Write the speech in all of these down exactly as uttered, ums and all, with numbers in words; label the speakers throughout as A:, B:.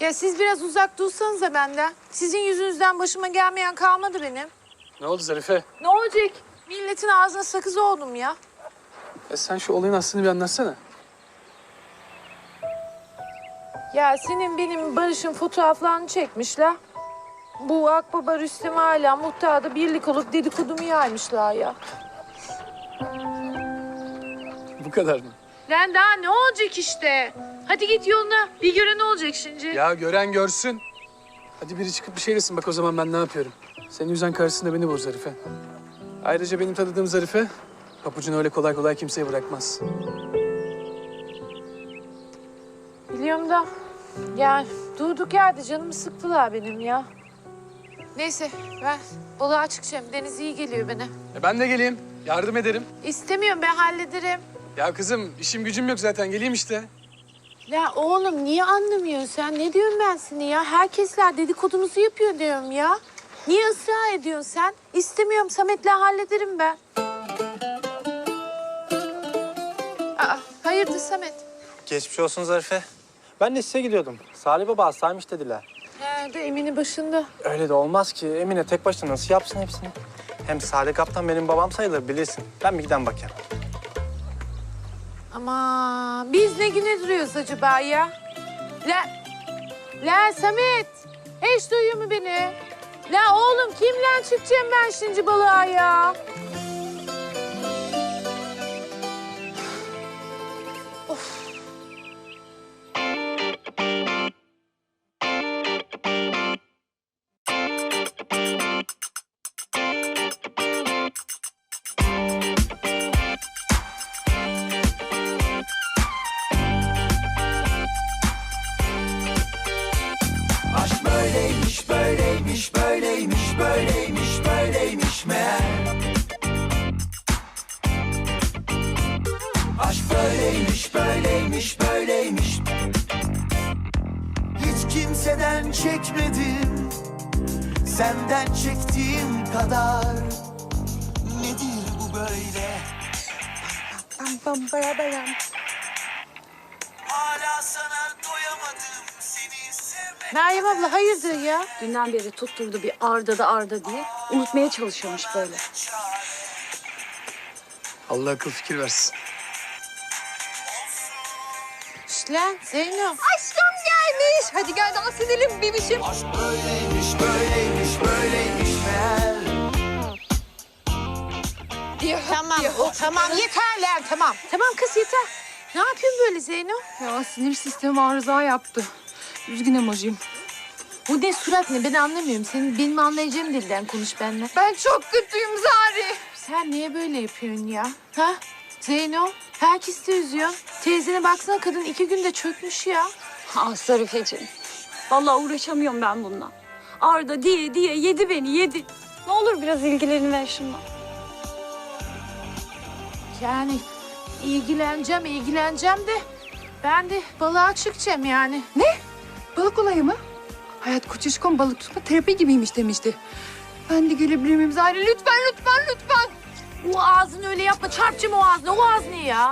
A: Ya siz biraz uzak dursanıza benden. Sizin yüzünüzden başıma gelmeyen kalmadı benim.
B: Ne oldu Zarife?
A: Ne olacak? Milletin ağzına sakız oldum ya.
B: E sen şu olayın aslını bir anlatsana.
A: Ya senin benim Barış'ın fotoğraflarını çekmişler. Bu Akbaba Rüstem hala muhtarda birlik olup dedikodumu yaymışlar ya.
B: Bu kadar mı?
A: Lan daha ne olacak işte? Hadi git yoluna. Bir göre ne olacak şimdi?
B: Ya gören görsün. Hadi biri çıkıp bir şey desin bak o zaman ben ne yapıyorum. Senin yüzden karşısında beni bul Zarife. Ayrıca benim tanıdığım Zarife papucunu öyle kolay kolay kimseye bırakmaz.
A: Biliyorum da yani durduk yerde canımı sıktılar benim ya. Neyse ben balığa çıkacağım. Deniz iyi geliyor bana.
B: E ben de geleyim. Yardım ederim.
A: İstemiyorum ben hallederim.
B: Ya kızım işim gücüm yok zaten geleyim işte.
A: Ya oğlum niye anlamıyorsun sen? Ne diyorum ben seni ya? Herkesler dedikodunuzu yapıyor diyorum ya. Niye ısrar ediyorsun sen? İstemiyorum Samet'le hallederim ben. Aa, hayırdır Samet?
C: Geçmiş olsun Zarife. Ben de size gidiyordum. Salih Baba hastaymış dediler.
A: He de Emin'i başında.
C: Öyle de olmaz ki. Emine tek başına nasıl yapsın hepsini? Hem Salih Kaptan benim babam sayılır bilirsin. Ben bir giden bakayım.
A: Ama biz ne güne duruyoruz acaba ya? La, la Samet. Hiç duyuyor mu beni? La oğlum kimle çıkacağım ben şimdi balığa ya? Of.
D: Aşk böyleymiş, böyleymiş, böyleymiş, böyleymiş, böyleymiş meğer. Aşk böyleymiş, böyleymiş, böyleymiş. Hiç kimseden çekmedim, senden çektiğim kadar. Nedir bu böyle?
A: Bam bam baya baya.
D: Hala sana doyamadım, seni sevmek.
A: Meryem abla hayırdır ya?
E: Dünden beri tutturdu bir Arda da Arda diye. Unutmaya çalışıyormuş böyle.
B: Allah akıl fikir versin.
A: Şşt lan Zeyno.
E: Aşkım gelmiş. Hadi gel dans edelim bebişim.
D: Aşk böyleymiş, böyleymiş, böyleymiş meğer.
A: Tamam, o, tamam yeter lan tamam. Tamam kız yeter. Ne yapıyorsun böyle Zeyno?
E: Ya sinir sistemi arıza yaptı. Üzgün emojiyim.
A: Bu ne surat ne ben anlamıyorum. Senin benim anlayacağım dilden konuş benimle.
E: Ben çok kötüyüm Zari.
A: Sen niye böyle yapıyorsun ya? Ha? Zeyno, herkes de üzüyor. Teyzene baksana kadın iki günde çökmüş ya.
E: Ah Zarifeciğim. Vallahi uğraşamıyorum ben bununla. Arda diye diye yedi beni yedi. Ne olur biraz ilgilerini ver şundan.
A: Yani ilgileneceğim, ilgileneceğim de ben de balığa çıkacağım yani.
F: Ne? Balık olayı mı? Hayat Koçuşkon balık tutma terapi gibiymiş demişti. Ben de gelebilir miyim Zahra? Lütfen, lütfen, lütfen.
A: O ağzını öyle yapma, çarpacağım o ağzını. O ağız ne ya?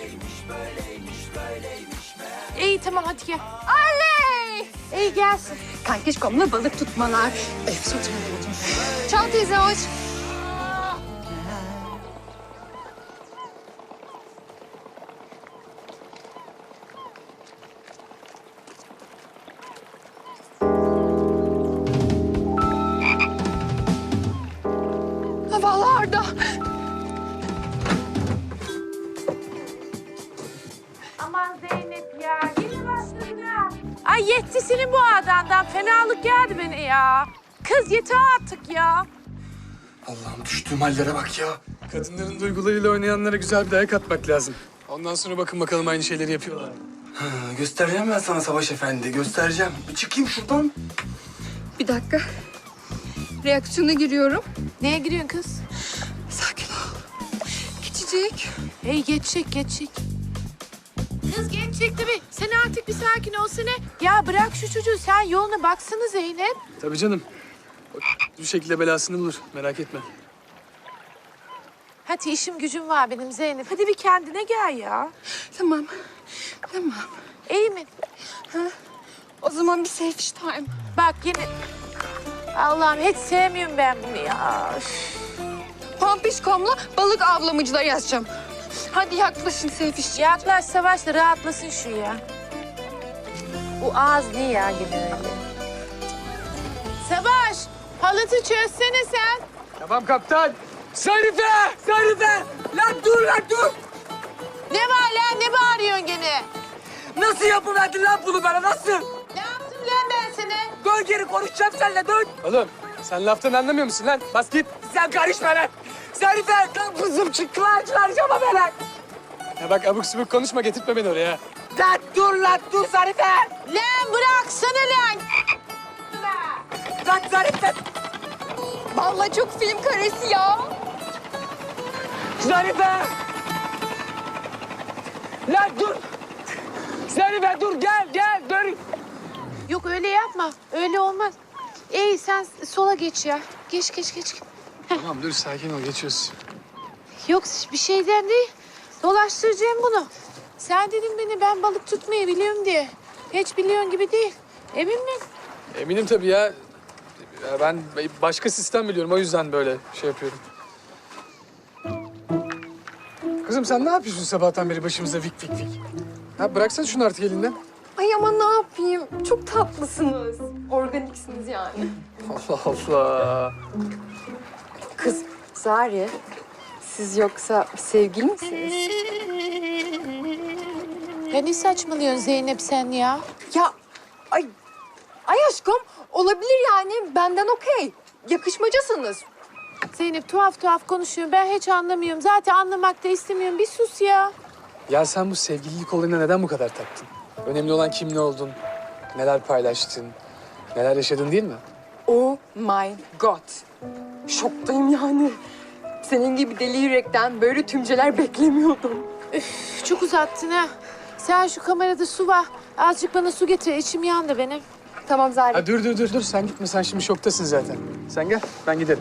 A: İyi tamam hadi gel.
F: Oley!
A: İyi gelsin.
F: Kankişkomla balık tutmalar. Efsun Çal teyze hoş. Vallahi Arda.
A: Aman Zeynep ya, yine başladın ha. Ay yetti senin bu adamdan. Fenalık geldi beni ya. Kız yeter artık ya.
B: Allah'ım düştüğüm hallere bak ya. Kadınların duygularıyla oynayanlara güzel bir dayak atmak lazım. Ondan sonra bakın bakalım aynı şeyleri yapıyorlar.
G: Ha, göstereceğim ben sana Savaş Efendi, göstereceğim. Bir çıkayım şuradan.
F: Bir dakika. Reaksiyona giriyorum.
A: Neye giriyorsun kız?
F: Sakin ol. Geçecek.
A: Hey geçecek, geçecek. Kız geçecek tabii. Sen artık bir sakin olsana. Ya bırak şu çocuğu. Sen yoluna baksana Zeynep.
B: Tabii canım. O bir şekilde belasını bulur merak etme.
A: Hadi işim gücüm var benim Zeynep. Hadi bir kendine gel ya.
F: Tamam. Tamam.
A: İyi mi?
F: Ha? O zaman bir selfish time.
A: Bak yine... Allah'ım hiç sevmiyorum ben bunu ya. Üf.
F: Pampişkom'la balık avlamacılar yazacağım. Hadi yaklaşın selfish.
A: Yaklaş Savaş da rahatlasın şu ya. Bu ağız niye ya gene öyle? Savaş, halatı çözsene sen.
B: Tamam kaptan. Zarife! Zarife! Lan dur lan dur!
A: Ne var lan, ne bağırıyorsun gene?
B: Nasıl yapıverdin lan bunu bana nasıl?
A: Ne yaptım lan ben sana?
B: Dön geri konuşacağım seninle dön. Oğlum sen laftan anlamıyor musun lan? Bas git. Sen karışma lan. Zarife lan kızım çıktılar çıkaracağım beni. Ya bak abuk subuk konuşma getirtme beni oraya. Lan dur lan dur Zarife.
A: Lan bıraksana lan.
B: Lan Zarife.
F: Vallahi çok film karesi ya.
B: Zarife. Lan dur. Zarife dur gel gel dur.
A: Yok öyle yapma, öyle olmaz. Ey sen sola geç ya. Geç geç geç.
B: Tamam dur sakin ol geçiyoruz.
A: Yok bir şeyden değil. Dolaştıracağım bunu. Sen dedin beni ben balık tutmayı biliyorum diye. Hiç biliyorsun gibi değil. Emin misin?
B: Eminim tabii ya. Ya ben başka sistem biliyorum o yüzden böyle şey yapıyorum. Kızım sen ne yapıyorsun sabahtan beri başımıza vik vik vik? Ha bıraksana şunu artık elinden.
F: Ay ama ne yapayım? Çok tatlısınız. Organiksiniz yani.
B: Allah Allah.
F: Kız Zari, siz yoksa sevgili misiniz?
A: Ya ne saçmalıyorsun Zeynep sen ya?
F: Ya ay, ay aşkım olabilir yani benden okey. Yakışmacasınız.
A: Zeynep tuhaf tuhaf konuşuyor. Ben hiç anlamıyorum. Zaten anlamak da istemiyorum. Bir sus ya.
B: Ya sen bu sevgililik olayına neden bu kadar taktın? Önemli olan kim ne oldun, neler paylaştın, neler yaşadın değil mi?
F: Oh my god. Şoktayım yani. Senin gibi deli yürekten böyle tümceler beklemiyordum.
A: Üf, çok uzattın ha. Sen şu kamerada su var. Azıcık bana su getir. İçim yandı benim.
F: Tamam Zari.
B: Ha dur dur dur dur sen gitme sen şimdi şoktasın zaten. Sen gel ben giderim.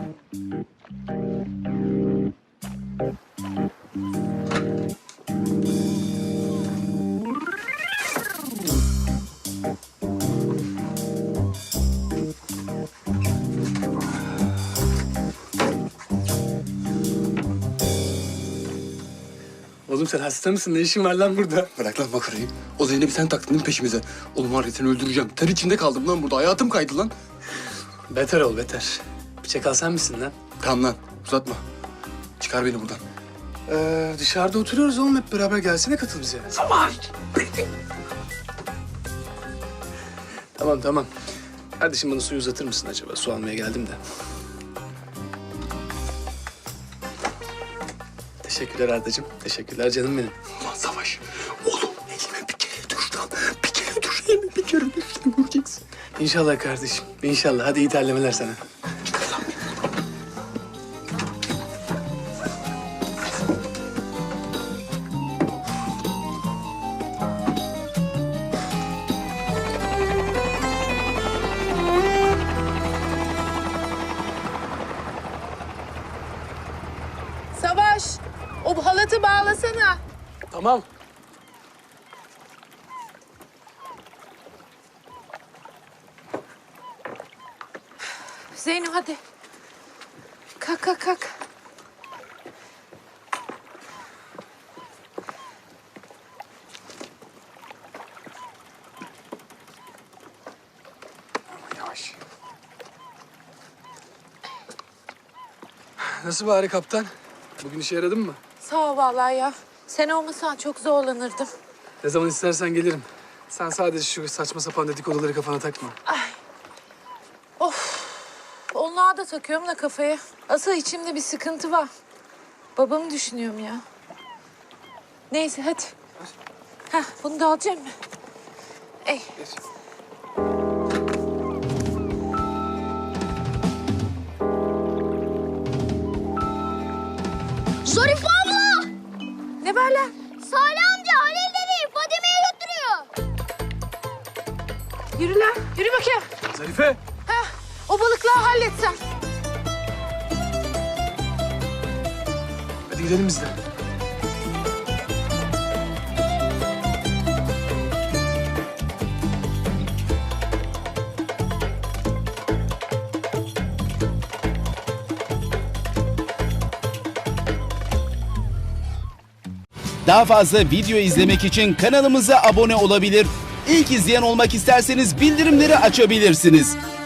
B: Oğlum sen hasta mısın? Ne işin var lan burada?
G: Bırak lan makarayı. O Zeynep'i sen taktın değil mi peşimize? Oğlum var ya seni öldüreceğim. Ter içinde kaldım lan burada. Hayatım kaydı lan.
B: Beter ol beter. Bir çakal sen misin lan?
G: Tamam lan uzatma. Çıkar beni buradan.
B: Ee, dışarıda oturuyoruz oğlum hep beraber gelsene katıl bize.
G: Savaş.
B: Tamam tamam. Kardeşim bana suyu uzatır mısın acaba? Su almaya geldim de. Teşekkürler Ardacığım. Teşekkürler canım benim.
G: Ulan Savaş. Oğlum elime bir kere düş lan. Bir kere düş elime bir kere düş. Sen göreceksin.
B: İnşallah kardeşim. İnşallah. Hadi iyi terlemeler sana.
G: Çıkar lan beni.
A: Savaş, o halatı bağlasana.
B: Tamam.
A: Zeynep hadi. Kalk kalk kalk.
B: Yavaş. Nasıl bari kaptan? Bugün işe yaradın mı?
A: Sağ ol vallahi ya. Sen olmasan çok zorlanırdım.
B: Ne zaman istersen gelirim. Sen sadece şu saçma sapan dedikoduları kafana takma.
A: Of. Onlara da takıyorum da kafaya. Asıl içimde bir sıkıntı var. Babamı düşünüyorum ya. Neyse hadi. Heh, bunu da alacağım mı? Ey.
H: Zarife abla!
A: Ne var lan?
H: Salih amca Halil dedeyi Fadime'ye götürüyor.
A: Yürü lan. Yürü bakayım.
B: Zarife!
A: O balıkları halletsen.
B: Hadi gidelim biz de.
I: Daha fazla video izlemek için kanalımıza abone olabilir. İlk izleyen olmak isterseniz bildirimleri açabilirsiniz.